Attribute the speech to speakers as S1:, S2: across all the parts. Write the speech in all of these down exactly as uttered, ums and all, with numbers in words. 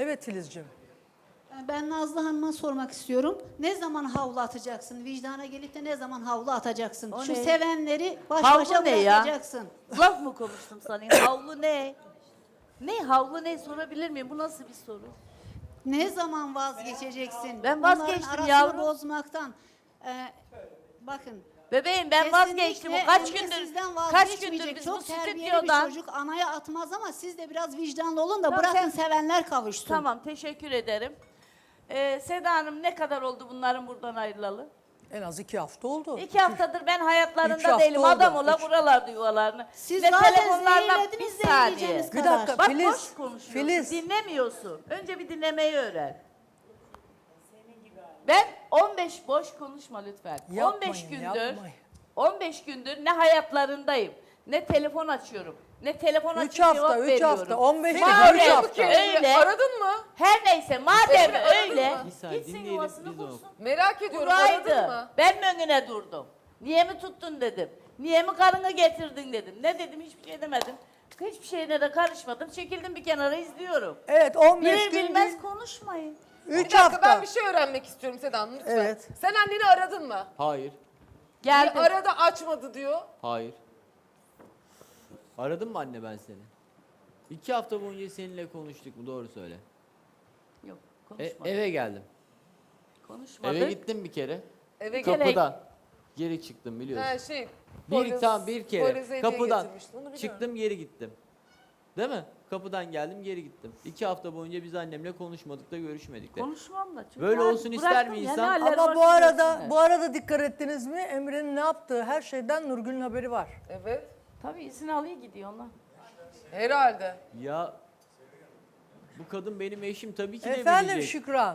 S1: Evet Filizciğim.
S2: Ben Nazlı Hanım'a sormak istiyorum. Ne zaman havlu atacaksın? Vicdana gelip de ne zaman havlu atacaksın?
S3: O
S2: Şu
S3: ne?
S2: sevenleri baş
S3: Havlu
S2: başa
S3: ne ya?
S2: bırakacaksın.
S3: Laf mı konuştum sana? Havlu ne? Ne havlu ne sorabilir miyim? Bu nasıl bir soru?
S2: Ne zaman vazgeçeceksin?
S3: Ben
S2: Onların
S3: vazgeçtim
S2: arasını
S3: yavrum.
S2: bozmaktan. Ee, bakın.
S3: Bebeğim ben
S2: kesinlikle
S3: vazgeçtim. O kaç
S2: Emre
S3: gündür
S2: sizden
S3: kaç
S2: vazgeçmeyecek.
S3: gündür biz bu
S2: Çok terbiyeli bir
S3: stüdyodan
S2: çocuk anaya atmaz ama siz de biraz vicdanlı olun da
S3: Tamam,
S2: bırakın
S3: sen-
S2: sevenler kavuşsun.
S3: Tamam teşekkür ederim. Ee, Seda Hanım ne kadar oldu bunların buradan ayrılalı?
S1: En az iki hafta oldu.
S3: İki haftadır ben
S1: Üç
S3: hayatlarında
S1: hafta
S3: değilim.
S1: oldu.
S3: Adam ola
S1: Üç.
S3: buralardı yuvalarını.
S2: Siz
S3: Ve
S2: zaten
S3: telefonlarla
S2: zehirlediniz
S3: bir saniye.
S2: zehirleyeceğiniz
S1: Bir
S2: kadar.
S1: dakika.
S3: Bak
S1: Filiz,
S3: boş konuşuyorsun.
S1: Filiz.
S3: Dinlemiyorsun. Önce bir dinlemeyi öğren. Ben on beş boş konuşma lütfen.
S1: Yapmayın,
S3: on beş gündür
S1: yapmayın.
S3: on beş gündür ne hayatlarındayım. Ne telefon açıyorum. Ne telefon
S1: Üç
S3: açıp
S1: hafta,
S3: cevap
S1: üç
S3: veriyorum.
S1: hafta, on beş
S3: Madem
S1: değil, üç hafta.
S3: öyle.
S4: Aradın mı?
S3: Her neyse madem öyle
S4: mı?
S5: Bir saniye,
S3: gitsin
S5: dinleyelim,
S3: yuvasını
S5: biz de
S3: bulsun.
S4: Merak ediyorum. Aradın
S3: Buraydı.
S4: mı?
S3: Ben mi önüne durdum? Niye mi tuttun dedim. Niye mi karını getirdin dedim. Ne dedim hiçbir şey demedim. Hiçbir şeyine de karışmadım. Çekildim bir kenara izliyorum.
S1: Evet on beş
S3: Bilir
S1: gün
S3: bilmez
S1: değil,
S3: konuşmayın.
S4: Bir
S1: üç
S4: dakika
S1: hafta.
S4: ben bir şey öğrenmek istiyorum Seda Hanım lütfen.
S1: Evet.
S4: Sen anneni aradın mı?
S5: Hayır,
S3: Geldim.
S4: Bir arada açmadı diyor.
S5: hayır. Aradım mı anne ben seni? İki hafta boyunca seninle konuştuk mu? Doğru söyle.
S3: Yok
S5: E,
S3: konuşmadım.
S5: eve geldim.
S3: Konuşmadık.
S5: Eve gittim bir kere.
S4: Eve
S3: Bir kere-
S5: Kapıdan. Geri çıktım biliyorsun.
S4: Ha şey.
S5: bir
S4: Poyraz-
S5: tam bir kere.
S4: Poyraz'a hediye
S5: Kapıdan
S4: getirmiştin, onu biliyorum.
S5: çıktım geri gittim. Değil mi? Kapıdan geldim geri gittim. İki hafta boyunca biz annemle konuşmadık da görüşmedik de.
S3: Konuşmam da. çünkü
S5: Böyle
S3: ben
S5: olsun ister
S3: bıraktım
S5: mi
S3: ya,
S5: insan?
S3: ne haller
S1: Ama bu
S3: varsa
S1: arada
S3: görsünler.
S1: bu arada dikkat ettiniz mi? Emre'nin ne yaptığı her şeyden Nurgül'ün haberi var.
S4: Evet.
S3: Tabii izin alıyor gidiyor onlar.
S4: Herhalde.
S5: Ya bu kadın benim eşim tabii ki de
S1: Efendim
S5: bilecek.
S1: Şükran.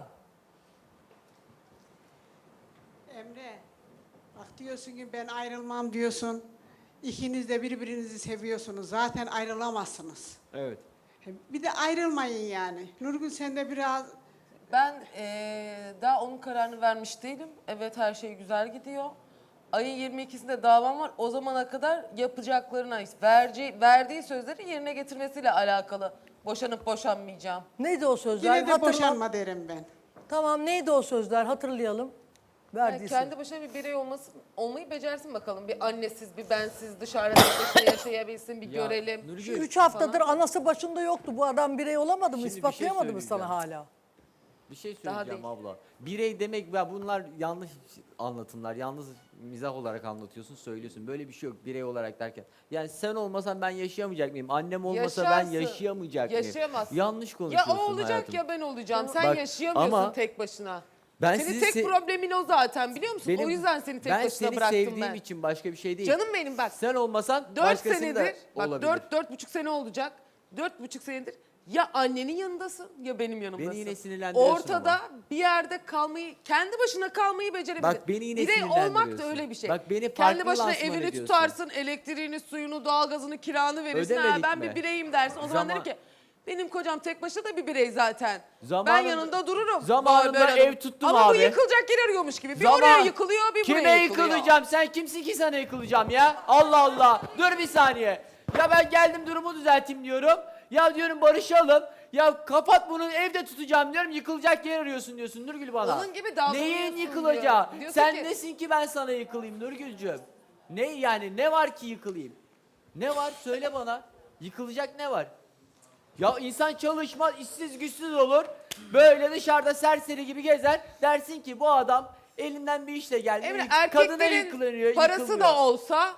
S6: Emre, bak diyorsun ki ben ayrılmam diyorsun. İkiniz de birbirinizi seviyorsunuz. Zaten ayrılamazsınız.
S5: Evet.
S6: Bir de ayrılmayın yani. Nurgül sen de biraz
S4: Ben eee, daha onun kararını vermiş değilim. Evet her şey güzel gidiyor. Ayın yirmi ikisinde davam var. O zamana kadar yapacaklarına, verci, verdiği sözleri yerine getirmesiyle alakalı. Boşanıp boşanmayacağım.
S1: Neydi o sözler?
S6: yine de
S1: Hatırla-
S6: boşanma derim ben.
S1: Tamam neydi o sözler? Hatırlayalım.
S4: Yani
S1: Verdiyse.
S4: kendi başına bir birey olması, olmayı becersin bakalım. Bir annesiz, bir bensiz, dışarıda tek başına yaşayabilsin, bir
S5: Ya,
S4: görelim.
S5: Nurgül,
S1: Şu üç haftadır anası başında yoktu. Bu adam birey olamadı mı?
S5: Şimdi bir şey
S1: İspatlayamadı mı sana
S5: söyleyeceğim.
S1: hala?
S5: Bir şey
S4: Daha
S5: söyleyeceğim
S4: değil.
S5: abla. Birey demek ya bunlar yanlış anlatımlar. Yalnız mizah olarak anlatıyorsun, söylüyorsun. Böyle bir şey yok birey olarak derken. Yani sen olmasan ben yaşayamayacak mıyım? Annem olmasa
S4: Yaşarsın.
S5: ben yaşayamayacak mıyım?
S4: Yaşayamazsın.
S5: Yanlış
S4: Ya
S5: konuşuyorsun
S4: o olacak
S5: hayatım.
S4: ya ben olacağım. Sen
S5: Bak,
S4: yaşayamıyorsun
S5: ama
S4: tek başına.
S5: Ben
S4: Senin
S5: sizi
S4: tek
S5: se-
S4: problemin o zaten biliyor musun?
S5: Benim-
S4: o yüzden seni tek
S5: ben
S4: başına
S5: seni
S4: bıraktım
S5: sevdiğim
S4: ben.
S5: için başka bir şey değil.
S4: Canım benim bak.
S5: Sen olmasan
S4: Dört
S5: başkasının
S4: senedir,
S5: da
S4: bak
S5: olabilir.
S4: dört, dört buçuk sene olacak. Dört buçuk senedir ya annenin yanındasın ya benim yanımdasın.
S5: Beni yine sinirlendiriyorsun
S4: Ortada
S5: ama.
S4: bir yerde kalmayı, kendi başına kalmayı becerebilirsin.
S5: Bak beni yine
S4: Birey olmak da
S5: sinirlendiriyorsun.
S4: öyle bir şey.
S5: Bak beni
S4: kendi
S5: farklı
S4: başına
S5: lansman
S4: evini
S5: ediyorsun.
S4: tutarsın, elektriğini, suyunu, doğalgazını, kiranı verirsin. Ha,
S5: Ödemedik
S4: ben
S5: mi?
S4: bir bireyim dersin. O zaman,
S5: Zaman-
S4: derim ki benim kocam tek başına da bir birey zaten. ben
S5: Zamanında-
S4: yanında dururum.
S5: zamanında
S4: Böyle
S5: ev tuttum
S4: Ama
S5: abi.
S4: bu yıkılacak yer arıyormuş gibi. Bir
S5: Zaman-
S4: oraya yıkılıyor, bir
S5: Kime
S4: buraya yıkılıyor.
S5: yıkılacağım? Sen kimsin ki sana yıkılacağım ya? Allah Allah. Dur bir saniye. Ya ben geldim durumu düzelteyim diyorum. Ya diyorum barışalım. Ya kapat bunu evde tutacağım diyorum. Yıkılacak yer arıyorsun diyorsun Nurgül bana.
S4: Onun gibi davranıyorsun
S5: Neyin
S4: diyor.
S5: yıkılacağı?
S4: Diyorsun
S5: Sen
S4: ki-
S5: nesin ki ben sana yıkılayım Nurgülcüğüm? Ne yani ne var ki yıkılayım? Ne var söyle bana. Yıkılacak ne var? Ya insan çalışmaz, işsiz güçsüz olur. Böyle dışarıda serseri gibi gezer. Dersin ki bu adam elinden bir işle geldi.
S4: Emre
S5: yık- kadına
S4: erkeklerin
S5: yıkılıyor,
S4: parası
S5: yıkılmıyor.
S4: da olsa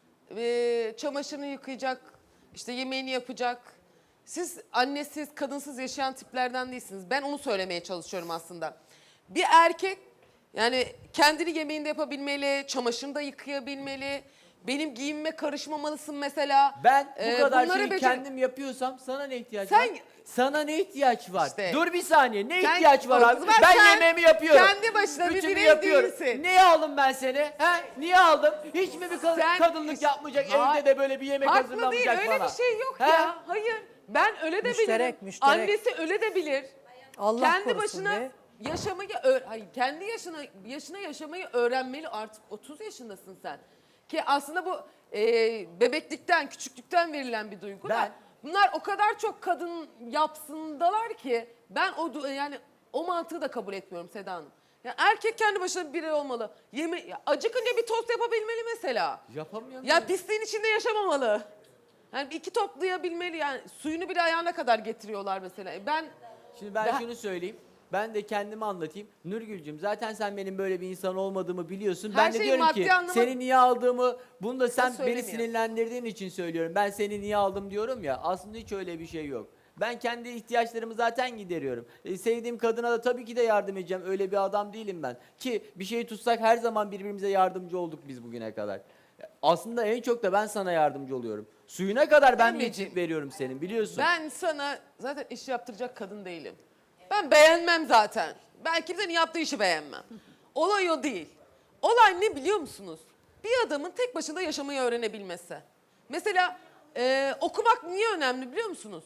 S4: e, çamaşırını yıkayacak, işte yemeğini yapacak. Siz annesiz, kadınsız yaşayan tiplerden değilsiniz. Ben onu söylemeye çalışıyorum aslında. Bir erkek yani kendini yemeğini de yapabilmeli, çamaşırını da yıkayabilmeli. Benim giyinme karışmamalısın mesela.
S5: Ben bu
S4: Ee,
S5: kadar
S4: bunları
S5: şeyi
S4: becer-
S5: kendim yapıyorsam sana ne ihtiyaç
S4: Sen-
S5: var? Sana ne ihtiyaç var?
S4: İşte.
S5: Dur bir saniye. Ne
S4: Sen-
S5: ihtiyaç var
S4: o
S5: abi?
S4: zaman
S5: Ben
S4: sen
S5: yemeğimi yapıyorum.
S4: kendi başına bir
S5: Ütümü
S4: birey
S5: yapıyorum.
S4: değilsin.
S5: Niye aldım ben seni? He? Niye aldım? Hiç mi bir kad-
S4: Sen-
S5: kadınlık yapmayacak?
S4: Ha-
S5: Evde de böyle bir yemek
S4: Haklı değil,
S5: hazırlamayacak
S4: öyle
S5: bana.
S4: bir şey yok
S5: He?
S4: ya. Hayır. Ben öyle de
S1: Müşterek,
S4: bilirim.
S1: müşterek.
S4: Annesi öyle de bilir.
S1: Allah
S4: kendi
S1: korusun
S4: başına
S1: be.
S4: yaşamayı öğ- hayır, kendi yaşına yaşına yaşamayı öğrenmeli artık. otuz yaşındasın sen. Ki aslında bu e, bebeklikten, küçüklükten verilen bir duygu.
S5: Ben-
S4: da Bunlar o kadar çok kadın yapsındalar ki ben o du- yani o mantığı da kabul etmiyorum Seda Hanım. Ya erkek kendi başına bir birey olmalı. Yeme ya acıkınca bir tost yapabilmeli mesela.
S5: Yapamıyor
S4: Ya
S5: muyum?
S4: pisliğin içinde yaşamamalı. Yani iki toplayabilmeli yani suyunu bile ayağına kadar getiriyorlar mesela. E Ben
S5: Şimdi ben
S4: Ben-
S5: şunu söyleyeyim. Ben de kendimi anlatayım. Nurgül'cüm zaten sen benim böyle bir insan olmadığımı biliyorsun.
S4: Her
S5: ben de
S4: şeyi
S5: diyorum
S4: maddi
S5: ki
S4: anlama-
S5: seni niye aldığımı bunu da sen beni
S4: söylemiyor.
S5: sinirlendirdiğin için söylüyorum. Ben seni niye aldım diyorum ya. Aslında hiç öyle bir şey yok. Ben kendi ihtiyaçlarımı zaten gideriyorum. E, sevdiğim kadına da tabii ki de yardım edeceğim. Öyle bir adam değilim ben. Ki bir şey tutsak her zaman birbirimize yardımcı olduk biz bugüne kadar. Aslında en çok da ben sana yardımcı oluyorum. Suyuna kadar ben bir
S4: Emreciğim,
S5: tip veriyorum senin biliyorsun.
S4: Ben sana zaten iş yaptıracak kadın değilim. Ben beğenmem zaten. Ben kimsenin yaptığı işi beğenmem. Olay o değil. Olay ne biliyor musunuz? Bir adamın tek başına yaşamayı öğrenebilmesi. Mesela e, okumak niye önemli biliyor musunuz?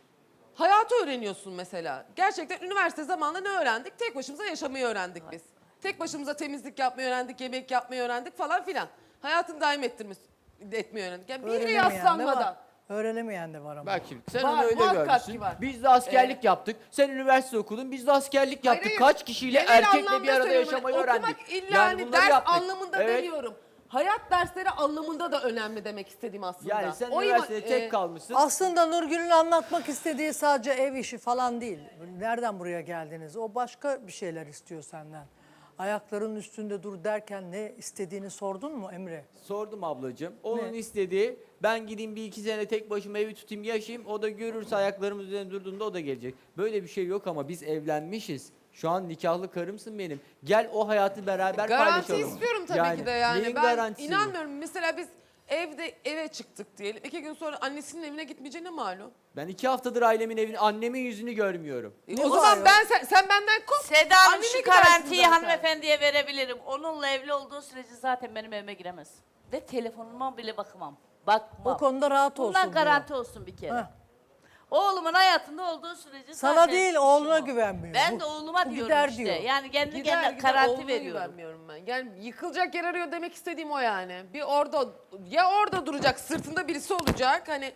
S4: Hayatı öğreniyorsun mesela. Gerçekten üniversite zamanında ne öğrendik? Tek başımıza yaşamayı öğrendik biz. Tek başımıza temizlik yapmayı öğrendik, yemek yapmayı öğrendik falan filan. Hayatını daim ettirmiş, etmeyi öğrendik. Yani bir yere
S1: Öğrenemeyen de
S4: yaslanmadan.
S1: var. Öğrenemeyen de var ama.
S5: Bak şimdi sen
S4: Var,
S5: onu öyle
S4: muhakkak
S5: görmüşsün.
S4: ki var.
S5: Biz de askerlik yaptık. Sen üniversite okudun. Biz de askerlik yaptık.
S4: Hayır,
S5: Kaç kişiyle
S4: genel
S5: erkekle
S4: anlamda
S5: bir arada
S4: söylüyorum.
S5: yaşamayı
S4: Hani
S5: öğrendik.
S4: Okumak illa hani
S5: bunları
S4: ders
S5: yaptık.
S4: anlamında
S5: Evet.
S4: demiyorum. Hayat dersleri anlamında da önemli demek istediğim aslında.
S5: Yani sen
S4: O ima-
S5: üniversitede tek
S4: e,
S5: kalmışsın.
S1: Aslında Nurgül'ün anlatmak istediği sadece ev işi falan değil. Nereden buraya geldiniz? O başka bir şeyler istiyor senden. Ayaklarının üstünde dur derken ne istediğini sordun mu Emre?
S5: Sordum ablacığım. Onun
S1: Ne?
S5: istediği ben gideyim bir iki sene tek başıma evi tutayım yaşayayım. O da görürse ayaklarımız üzerinde durduğunda o da gelecek. Böyle bir şey yok ama biz evlenmişiz. Şu an nikahlı karımsın benim. Gel o hayatı beraber
S4: Garanti
S5: paylaşalım.
S4: istiyorum tabii ki de yani.
S5: Neyin
S4: Ben
S5: garantisi bu?
S4: inanmıyorum. Mesela biz evde eve çıktık diyelim. İki gün sonra annesinin evine gitmeyeceğine malum.
S5: Ben iki haftadır ailemin evini, annemin yüzünü görmüyorum.
S4: E,
S1: Ne
S4: o
S1: var
S4: zaman
S1: ya?
S4: ben sen, sen benden kop.
S3: Seda Hanım
S4: annene
S3: şu
S4: gidersin
S3: garantiyi
S4: zaten.
S3: hanımefendiye verebilirim. Onunla evli olduğu sürece zaten benim evime giremez. Ve telefonuma bile bakmam. Bakmam.
S1: O konuda rahat olsun
S3: Bundan
S1: diyor.
S3: garanti olsun bir kere.
S1: Heh.
S3: Oğlumun hayatında olduğu sürece
S1: Sana
S3: zaten
S1: değil,
S3: işim
S1: oğluna
S3: o.
S1: güvenmiyor.
S3: Ben
S1: Bu-
S3: de oğluma
S1: bu
S3: diyorum
S1: gider
S3: işte.
S1: diyor.
S3: Yani kendi
S4: Gider
S3: kendine
S4: gider
S3: garanti
S4: olduğuna
S3: veriyorum.
S4: güvenmiyorum ben. Yani yıkılacak yer arıyor demek istediğim o yani. Bir orada ya orada duracak sırtında birisi olacak hani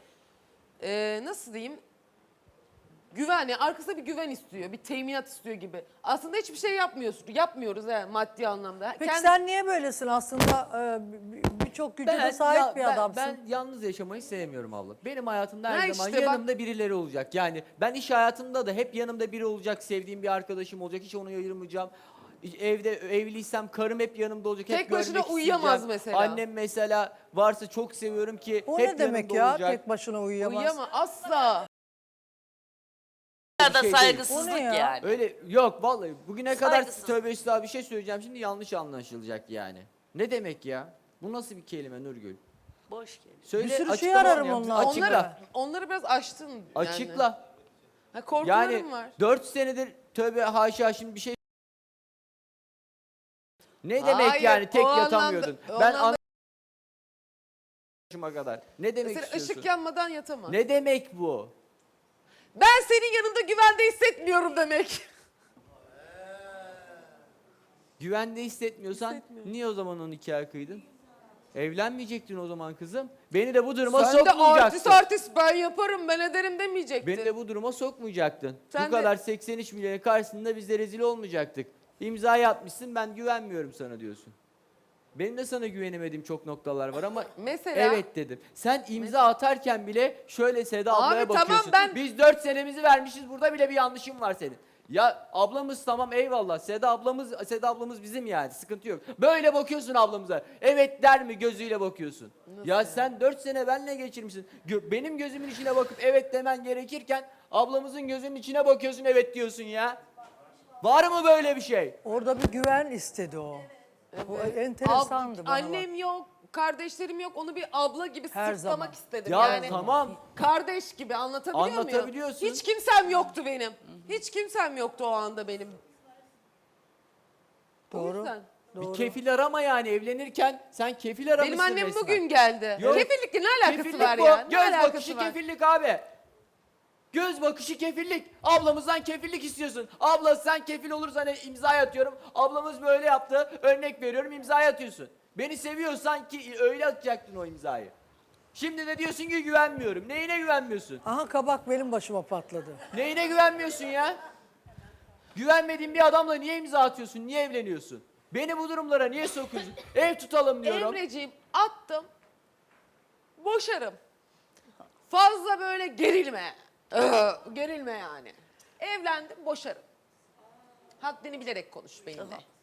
S4: e, nasıl diyeyim güven yani arkasında bir güven istiyor bir teminat istiyor gibi. Aslında hiçbir şey yapmıyorsun yapmıyoruz yani maddi anlamda.
S1: Peki
S4: Kendi-
S1: sen niye böylesin aslında? e, bir- Birçok güce de sahip
S5: ya-
S1: bir
S5: ben-
S1: adamsın.
S5: Ben yalnız yaşamayı sevmiyorum abla. Benim hayatımda her
S4: Ha
S5: zaman
S4: işte bak-
S5: yanımda birileri olacak. Yani ben iş hayatımda da hep yanımda biri olacak, sevdiğim bir arkadaşım olacak. Hiç onu ayırmayacağım. Evde evliysem karım hep yanımda olacak.
S4: Tek
S5: hep
S4: başına
S5: görmek
S4: uyuyamaz
S5: isteyeceğim.
S4: mesela.
S5: Annem mesela varsa çok seviyorum ki
S1: O
S5: hep
S1: ne demek
S5: yanımda
S1: ya?
S5: olacak.
S1: Tek başına uyuyamaz.
S4: Uyuyama asla.
S3: Ya da
S5: şey değil.
S3: saygısızlık
S1: O ne ya?
S3: yani.
S5: Öyle yok vallahi bugüne kadar
S3: Saygısız.
S5: tövbe estağfurullah bir şey söyleyeceğim şimdi yanlış anlaşılacak yani. Ne demek ya? Bu nasıl bir kelime Nurgül?
S3: Boş geliyor.
S5: Söyle
S1: Bir sürü şey
S5: açıkla
S1: ararım
S5: bana.
S1: onunla.
S5: Açıkla.
S4: Onları, onları biraz aştın yani.
S5: Açıkla.
S4: Ha, korkularım
S5: Yani
S4: var.
S5: dört senedir tövbe haşa şimdi bir şey ne demek
S4: Hayır,
S5: yani tek
S4: o anlamda-
S5: yatamıyordun?
S4: o
S5: ben
S4: anlamda-
S5: anlaşıma kadar. Ne demek
S4: Mesela
S5: istiyorsun?
S4: ışık yanmadan yatamaz.
S5: Ne demek bu?
S4: Ben senin yanında güvende hissetmiyorum demek.
S5: Güvende hissetmiyorsan niye o zaman o nikahı kıydın? Evlenmeyecektin o zaman kızım. Beni de bu duruma
S4: Sen de
S5: sokmayacaktın.
S4: artist artist ben yaparım ben ederim demeyecektin.
S5: Beni de bu duruma sokmayacaktın.
S4: Sen
S5: bu
S4: de-
S5: kadar seksen üç milyonun karşısında biz de rezil olmayacaktık. İmzayı atmışsın ben güvenmiyorum sana diyorsun. Benim de sana güvenemediğim çok noktalar var ama
S4: Mesela-
S5: evet dedim. Sen imza atarken bile şöyle Seda
S4: Abi
S5: ablaya
S4: tamam,
S5: bakıyorsun.
S4: ben-
S5: Biz dört senemizi vermişiz burada bile bir yanlışım var senin. Ya ablamız tamam eyvallah. Seda ablamız Seda ablamız bizim yani sıkıntı yok. Böyle bakıyorsun ablamıza. Evet der mi gözüyle bakıyorsun. ya sen dört sene benle geçirmişsin. Gö- benim gözümün içine bakıp evet demen gerekirken ablamızın gözünün içine bakıyorsun evet diyorsun ya. Var mı böyle bir şey?
S1: Orada bir güven istedi o. Bu enteresandı
S4: Ab-
S1: bana
S4: Annem
S1: bak.
S4: yok, kardeşlerim yok. Onu bir abla gibi
S1: Her
S4: sırtlamak
S1: zaman.
S4: istedim.
S5: Ya
S4: yani
S5: tamam.
S4: kardeş gibi anlatabiliyor muyum?
S5: Anlatabiliyorsun.
S4: Hiç kimsem yoktu benim. Hiç kimsem yoktu o anda benim. O
S1: Doğru.
S4: yüzden.
S1: Doğru.
S5: Bir kefil arama yani evlenirken sen kefil aramışsın
S4: Benim annem
S5: resmen.
S4: bugün geldi.
S5: Yok.
S4: Kefillikle ne alakası
S5: Kefillik
S4: var
S5: bu.
S4: ya? Ne
S5: Göz
S4: alakası
S5: bakışı
S4: var?
S5: kefillik abi. Göz bakışı kefillik. Ablamızdan kefillik istiyorsun. Abla sen kefil olursan imza atıyorum. Ablamız böyle yaptı. Örnek veriyorum imza atıyorsun. Beni seviyorsan ki öyle atacaktın o imzayı. Şimdi de diyorsun ki güvenmiyorum. Neyine güvenmiyorsun?
S1: Aha kabak benim başıma patladı.
S5: Neyine güvenmiyorsun ya? Güvenmediğin bir adamla niye imza atıyorsun? Niye evleniyorsun? Beni bu durumlara niye sokuyorsun? Ev tutalım diyorum.
S4: Emreciğim attım. Boşarım. Fazla böyle gerilme. Ee, gerilme yani. Evlendim boşarım. Haddini bilerek konuş benimle.